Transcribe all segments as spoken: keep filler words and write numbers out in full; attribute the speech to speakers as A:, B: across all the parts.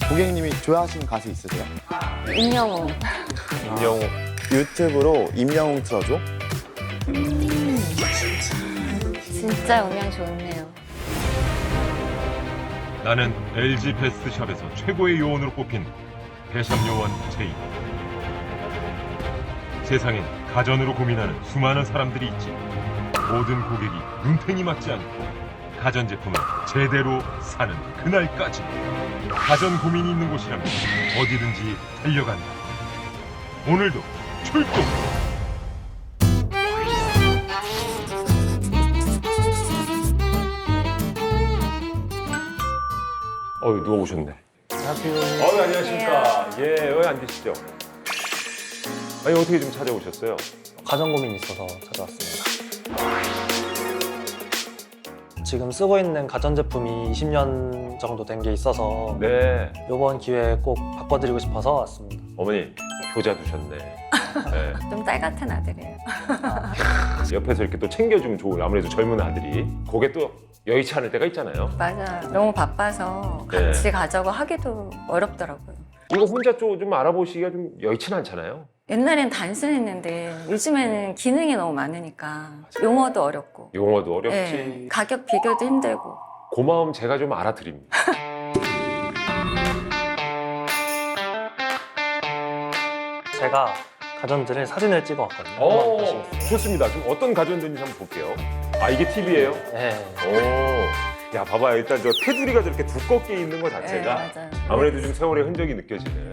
A: 고객님이 좋아하시는 가수 있으세요?
B: 임영웅.
C: 임영웅.
A: 유튜브로 임영웅 틀어줘?
B: 진짜 음향 좋네요.
D: 나는 엘지 베스트샵에서 최고의 요원으로 꼽힌 대샵 요원 제이. 세상엔 가전으로 고민하는 수많은 사람들이 있지. 모든 고객이 눈탱이 맞지 않고 가전제품을 제대로 사는 그날까지 가전 고민이 있는 곳이라면 어디든지 달려간다. 오늘도 출동!
C: 어유 누가 오셨네.
A: 안녕하세요.
C: 어유 안녕하십니까. 예, 여기 앉으시죠. 아니 어떻게 좀 찾아오셨어요?
E: 가전 고민이 있어서 찾아왔습니다. 지금 쓰고 있는 가전제품이 이십 년 정도 된 게 있어서
C: 네.
E: 이번 기회에 꼭 바꿔드리고 싶어서 왔습니다.
C: 어머니 효자 두셨네. 네.
B: 좀 딸 같은 아들이에요.
C: 옆에서 이렇게 또 챙겨주면 좋을 아무래도 젊은 아들이 그게 또 여의치 않을 때가 있잖아요.
B: 맞아. 너무 바빠서
C: 네.
B: 같이 가자고 하기도 어렵더라고요.
C: 이거 혼자 좀, 좀 알아보시기가 좀 여의치는 않잖아요.
B: 옛날엔 단순했는데 요즘에는 기능이 너무 많으니까 용어도 어렵고
C: 용어도 어렵지.
B: 네, 가격 비교도 힘들고.
C: 고마움 제가 좀 알아드립니다.
E: 제가 가전들을 사진을 찍어왔거든요. 한번
C: 오,
E: 보시겠어요?
C: 좋습니다. 좀 어떤 가전인지 한번 볼게요. 아, 이게 티비예요?
E: 네.
C: 오, 야, 봐봐요. 일단 저 테두리가 저렇게 두껍게 있는 것
B: 네,
C: 자체가
B: 맞아요.
C: 아무래도 좀 세월의 흔적이 느껴지는.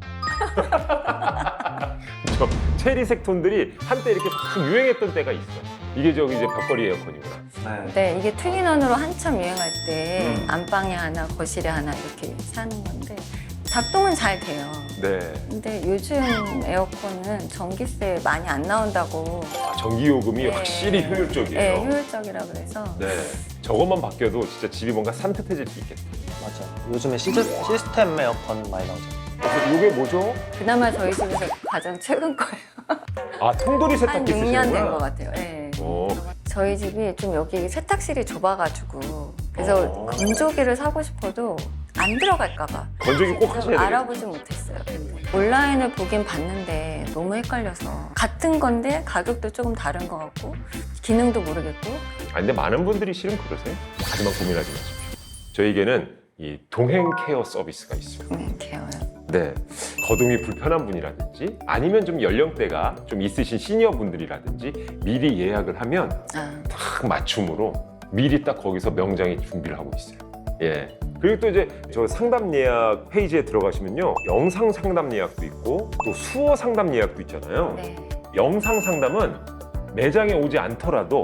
C: 저 체리색 톤들이 한때 이렇게 막 유행했던 때가 있어. 이게 저기 이제 벽걸이 에어컨이구나.
E: 네.
B: 네, 이게 투인원으로 한참 유행할 때
C: 음.
B: 안방에 하나, 거실에 하나 이렇게 사는 건데 작동은 잘 돼요.
C: 네.
B: 근데 요즘 에어컨은 전기세 많이 안 나온다고.
C: 아, 전기요금이
B: 네.
C: 확실히 효율적이에요.
B: 네, 효율적이라 그래서.
C: 네. 저것만 바뀌어도 진짜 집이 뭔가 산뜻해질 수 있겠다.
E: 맞아요. 요즘에 시스, 시스템 에어컨 많이 나오죠.
C: 그래서 이게 뭐죠?
B: 그나마 저희 집에서 가장 최근 거예요.
C: 아, 통돌이
B: 한
C: 세탁기
B: 육 년 된
C: 쓰시는구나.
B: 것 같아요. 네.
C: 오,
B: 저희 집이 좀 여기 세탁실이 좁아가지고 그래서
C: 어.
B: 건조기를 사고 싶어도 안 들어갈까봐
C: 건조기 꼭 하셔야 돼요.
B: 알아보지 못했어요. 근데 온라인을 보긴 봤는데 너무 헷갈려서 같은 건데 가격도 조금 다른 것 같고 기능도 모르겠고.
C: 아, 근데 많은 분들이 실은 그러세요. 하지만 고민하지 마십시오. 저에게는 이 동행 케어 서비스가 있어요.
B: 음, 개어요.
C: 네. 거동이 불편한 분이라든지 아니면 좀 연령대가 좀 있으신 시니어 분들이라든지 미리 예약을 하면
B: 아,
C: 딱 맞춤으로 미리 딱 거기서 명장이 준비를 하고 있어요. 예. 그리고 또 이제 저 상담 예약 페이지에 들어가시면요. 영상 상담 예약도 있고 또 수어 상담 예약도 있잖아요.
B: 네.
C: 영상 상담은 매장에 오지 않더라도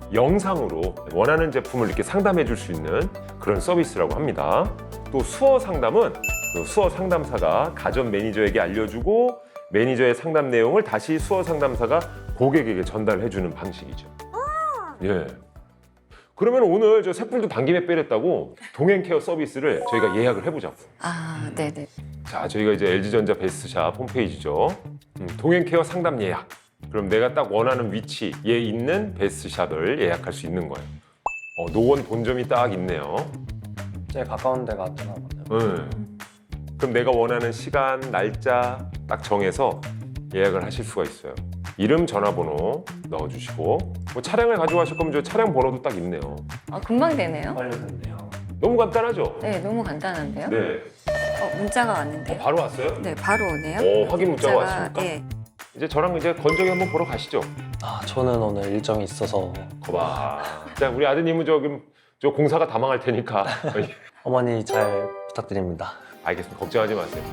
C: 영상으로 원하는 제품을 이렇게 상담해 줄 수 있는 그런 서비스라고 합니다. 또 수어 상담은 그 수어 상담사가 가전 매니저에게 알려주고 매니저의 상담 내용을 다시 수어 상담사가 고객에게 전달해 주는 방식이죠. 예. 그러면 오늘 저 쇳불도 당김에 빼렸다고 동행 케어 서비스를 저희가 예약을 해보자고.
B: 아, 네네.
C: 자, 저희가 이제 엘지전자 베스트샵 홈페이지죠. 음, 동행 케어 상담 예약. 그럼 내가 딱 원하는 위치에 있는 베스트샵을 예약할 수 있는 거예요. 어, 노원 본점이 딱 있네요.
E: 제일 가까운 데가 되나 보네요.
C: 네. 그럼 내가 원하는 시간, 날짜 딱 정해서 예약을 하실 수가 있어요. 이름, 전화번호 넣어주시고 뭐 차량을 가져가실 거면 저 차량 번호도 딱 있네요.
B: 아, 금방 되네요.
E: 완료됐네요.
C: 너무 간단하죠?
B: 네, 너무 간단한데요?
C: 네.
B: 어, 문자가 왔는데.
C: 바로 왔어요?
B: 네, 바로 오네요.
C: 오, 확인 문자가 왔습니까?
B: 네.
C: 이제 저랑 이제 건조기 한번 보러 가시죠.
E: 아, 저는 오늘 일정이 있어서
C: 거봐. 자, 우리 아드님은 저금 저 공사가 다 망할 테니까.
E: 어머니 잘 부탁드립니다.
C: 알겠습니다. 걱정하지 마세요.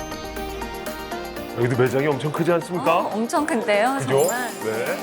C: 여기도 매장이 엄청 크지 않습니까?
B: 어, 엄청 큰데요,
C: 그죠?
B: 정말.
C: 네.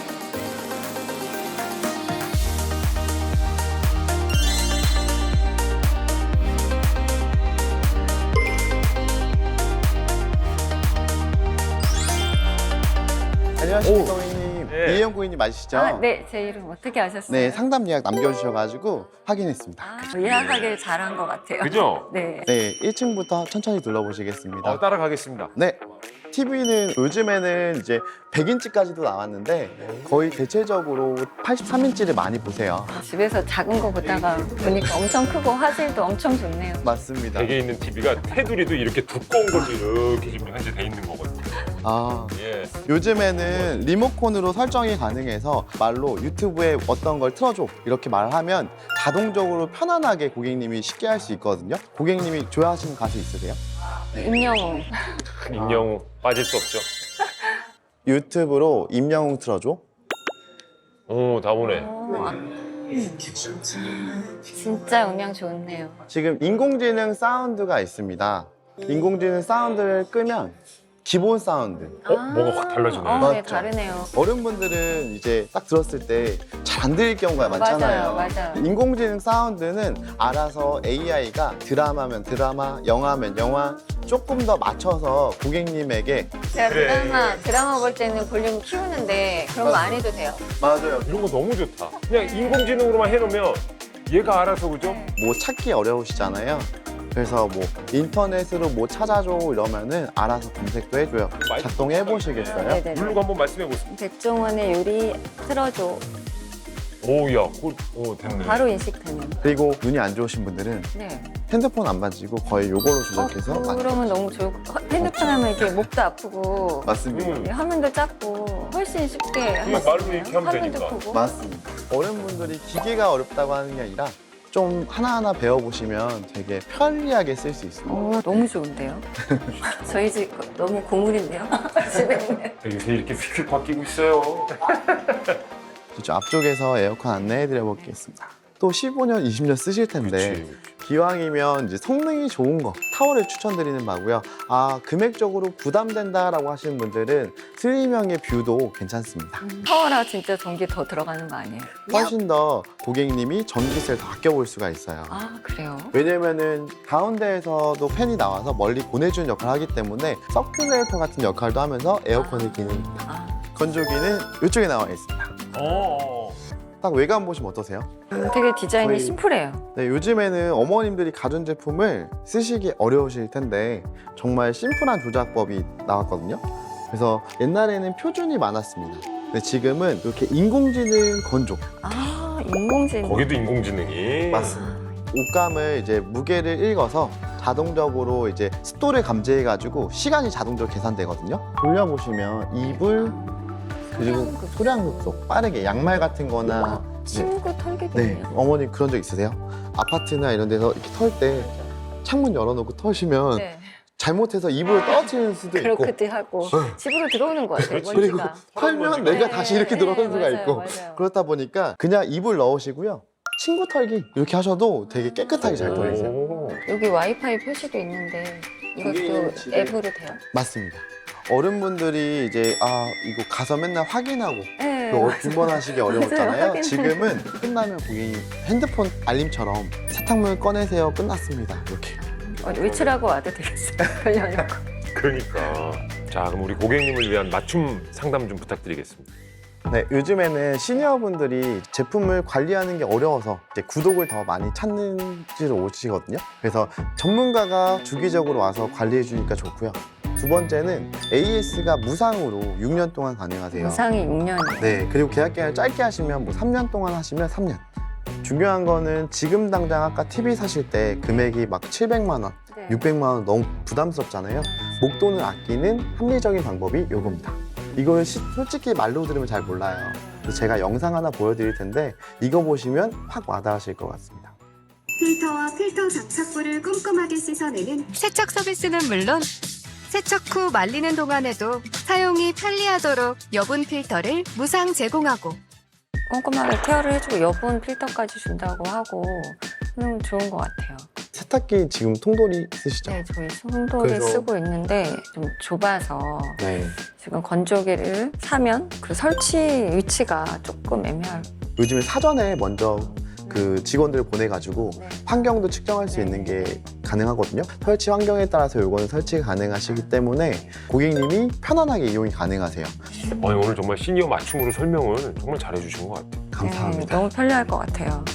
A: 안녕하십니까,
C: 오.
A: 고객님.
C: 네, 네.
A: 이혜영 고객님 맞으시죠?
B: 아, 네, 제 이름 어떻게 아셨어요?
A: 네, 상담 예약 남겨주셔가지고 확인했습니다.
B: 아, 예약하길 잘한 것 같아요.
C: 그죠?
B: 네.
A: 네, 일 층부터 천천히 둘러보시겠습니다.
C: 어, 따라가겠습니다.
A: 네. 티비는 요즘에는 이제 백 인치까지도 나왔는데 거의 대체적으로 팔십삼 인치를 많이 보세요.
B: 집에서 작은 거 보다가 보니까 엄청 크고 화질도 엄청 좋네요.
A: 맞습니다.
C: 댁에 있는 티비가 테두리도 이렇게 두꺼운 걸로 이렇게 지금 현재 돼 있는 거거든요.
A: 아,
C: 예.
A: 요즘에는 리모컨으로 설정이 가능해서 말로 유튜브에 어떤 걸 틀어줘 이렇게 말하면 자동적으로 편안하게 고객님이 쉽게 할 수 있거든요. 고객님이 좋아하시는 가수 있으세요?
B: 임영웅.
C: 임영웅 빠질 수 없죠.
A: 유튜브로 임영웅 틀어줘.
C: 오, 다 오네.
B: 오, 아, 진짜 음향 좋네요.
A: 지금 인공지능 사운드가 있습니다. 인공지능 사운드를 끄면 기본 사운드.
C: 어, 뭐가 확 달라지네.
B: 어, 네,
A: 맞죠?
B: 다르네요.
A: 어른분들은 이제 딱 들었을 때 잘 안 들릴 경우가 많잖아요.
B: 맞아요, 맞아요.
A: 인공지능 사운드는 알아서 에이아이가 드라마면 드라마, 영화면 영화 조금 더 맞춰서 고객님에게
B: 제가
C: 그래.
B: 드라마, 드라마 볼 때는 볼륨 키우는데 그런 거 안 해도 돼요.
A: 맞아요.
C: 이런 거 너무 좋다. 그냥 인공지능으로만 해놓으면 얘가 알아서 그죠?
A: 뭐 찾기 어려우시잖아요. 그래서 뭐 인터넷으로 뭐 찾아줘 이러면은 알아서 검색도 해줘요. 작동해 보시겠어요?
B: 네네.
C: 누르고 한번 말씀해 보세요.
B: 백종원의 요리 틀어줘.
C: 오야, 오, 오 됐네.
B: 바로 인식되는.
A: 그리고 눈이 안 좋으신 분들은
B: 네.
A: 핸드폰 안 만지고 거의 요걸로
B: 어,
A: 조작해서
B: 그러면 너무 좋을 것 같아요. 핸드폰 하면 이렇게 목도 아프고
A: 맞습니다.
C: 음.
B: 화면도 작고 훨씬 쉽게 할 수
C: 말로
B: 있네요.
C: 이렇게 하면
B: 화면도
C: 되니까.
B: 크고.
A: 맞습니다. 어른분들이 기계가 어렵다고 하는 게 아니라 좀 하나하나 배워보시면 되게 편리하게 쓸 수 있습니다.
B: 오, 너무 좋은데요? 저희 집 너무 고물인데요? 집에 있는.
C: 요새 이렇게 휙휙 바뀌고 있어요.
A: 이쪽 앞쪽에서 에어컨 안내해드려 보겠습니다. 또 십오 년, 이십 년 쓰실 텐데
C: 그치.
A: 기왕이면 이제 성능이 좋은 거 타워를 추천드리는 바고요. 아 금액적으로 부담된다라고 하시는 분들은 슬림형의 뷰도 괜찮습니다.
B: 파워라 진짜 전기 더 들어가는 거 아니에요?
A: 훨씬 더 고객님이 전기세를 더 아껴볼 수가 있어요.
B: 아, 그래요?
A: 왜냐면은 가운데에서도 팬이 나와서 멀리 보내주는 역할을 하기 때문에 서큘레이터 같은 역할도 하면서 에어컨의 기능입니다.
B: 아,
A: 건조기는 이쪽에 나와 있습니다.
C: 어.
A: 딱 외관 보시면 어떠세요?
B: 음, 되게 디자인이
A: 거의-
B: 심플해요.
A: 네, 요즘에는 어머님들이 가전제품을 쓰시기 어려우실 텐데 정말 심플한 조작법이 나왔거든요. 그래서 옛날에는 표준이 많았습니다. 근데 지금은 이렇게 인공지능 건조.
B: 아, 인공지능.
C: 거기도 인공지능이.
A: 맞습니다. 옷감을 이제 무게를 읽어서 자동적으로 이제 습도를 감지해가지고 시간이 자동적으로 계산되거든요. 돌려보시면 이불 그리고 소량급속 빠르게 양말 같은 거나 이제
B: 친구
A: 네,
B: 털기군요.
A: 어머니 그런 적 있으세요? 아파트나 이런 데서 이렇게 털 때 창문 열어놓고 털시면
B: 네.
A: 잘못해서 이불을 떨어뜨리는 수도 있고
B: 그렇게도 하고
A: 네.
B: 집으로 들어오는 것 같아요.
C: 그렇지.
A: 그리고
B: 먼지가.
A: 털면
C: 네,
A: 내가 다시 이렇게
B: 네,
A: 들어오는
B: 네,
A: 수가
B: 맞아요,
A: 있고
B: 맞아요.
A: 그렇다 보니까 그냥 이불 넣으시고요. 친구 털기 이렇게 하셔도 되게 깨끗하게 잘 털리세요.
C: 오.
B: 여기 와이파이 표시도 있는데 이것도
A: 이게 집에-
B: 앱으로 돼요?
A: 맞습니다. 어른분들이 이제 아 이거 가서 맨날 확인하고
B: 네.
A: 그 빈번하시기 어려웠잖아요.
B: 확인.
A: 지금은 끝나면 고객님 핸드폰 알림처럼 세탁물 꺼내세요. 끝났습니다. 이렇게.
B: 어, 외출하고 와도 되겠어요. 걸려놓고.
C: 그러니까. 자, 그럼 우리 고객님을 위한 맞춤 상담 좀 부탁드리겠습니다.
A: 네, 요즘에는 시니어분들이 제품을 관리하는 게 어려워서 이제 구독을 더 많이 찾는지로 오시거든요. 그래서 전문가가 주기적으로 와서 관리해 주니까 좋고요. 두 번째는 에이에스가 무상으로 육 년 동안 가능하세요.
B: 무상이 육 년이에요.
A: 네, 그리고 계약 기간을 짧게 하시면 뭐 삼 년 동안 하시면 삼 년. 중요한 거는 지금 당장 아까 티비 사실 때 금액이 막 칠백만 원,
B: 네.
A: 육백만 원 너무 부담스럽잖아요. 목돈을 아끼는 합리적인 방법이 요겁니다. 이걸 시- 솔직히 말로 들으면 잘 몰라요. 그래서 제가 영상 하나 보여드릴 텐데 이거 보시면 확 와닿으실 것 같습니다.
F: 필터와 필터 장착부를 꼼꼼하게 씻어내는
G: 세척 서비스는 물론 세척 후 말리는 동안에도 사용이 편리하도록 여분 필터를 무상 제공하고
B: 꼼꼼하게 케어를 해주고 여분 필터까지 준다고 하고 음, 좋은 것 같아요.
A: 세탁기 지금 통돌이 쓰시죠?
B: 네, 저희 송돌이
A: 그래서-
B: 쓰고 있는데 좀 좁아서
A: 네.
B: 지금 건조기를 사면 그 설치 위치가 조금 애매할.
A: 요즘에 사전에 먼저 그 직원들을 보내가지고 환경도 측정할 수 있는 게 가능하거든요. 설치 환경에 따라서 요거는 설치가 가능하시기 때문에 고객님이 편안하게 이용이 가능하세요.
C: 아니, 오늘 정말 시니어 맞춤으로 설명을 정말 잘해주신 것 같아요.
A: 감사합니다.
B: 네, 너무 편리할 것 같아요.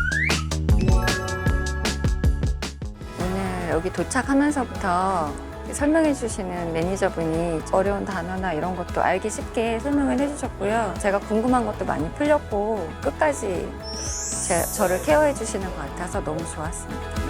B: 오늘 여기 도착하면서부터 설명해 주시는 매니저분이 어려운 단어나 이런 것도 알기 쉽게 설명을 해주셨고요. 제가 궁금한 것도 많이 풀렸고 끝까지 제, 저를 케어해 주시는 것 같아서 너무 좋았습니다.